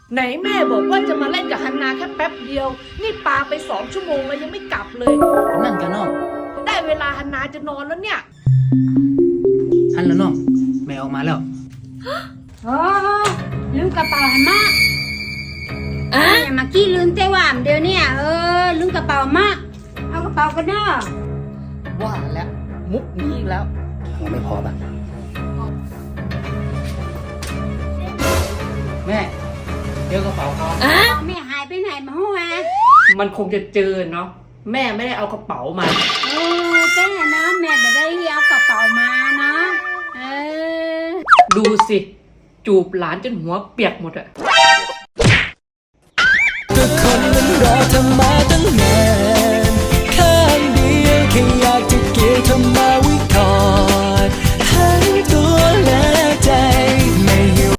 ไหนแม่บอกว่าจะมาเล่นกับฮันนาแค่แป๊บเดียวนี่ปาไป2 ชั่วโมงแล้วยังไม่กลับเลยนั่นกันน้องได้เวลาฮันนาจะนอนแล้วเนี่ยฮันแล้วน้องแม่ออกมาแล้วโอ้ลืมกระเป๋าหันมาอย่ามากี้ลืมเต้ว่ามเดี๋ยวเนี่ยลืมกระเป๋ามาเอากระเป๋ากันเนาะว่าแล้วมุกนี้อีกแล้วยังไม่พอป่ะแม่เดี๋ยวกระเป๋าเขาแม่หายไปไหนมาหัวมันคงจะเจอเนาะแม่ไม่ได้เอากระเป๋ามาแต่นะแม่ไม่ได้เอากระเป๋ามานะดูสิจูบหลานจนหัวเปียกหมดอะก็คนมันรอเธอมาตั้งนานข้างเดียวแค่อยากจะเกี่ยวเธอมา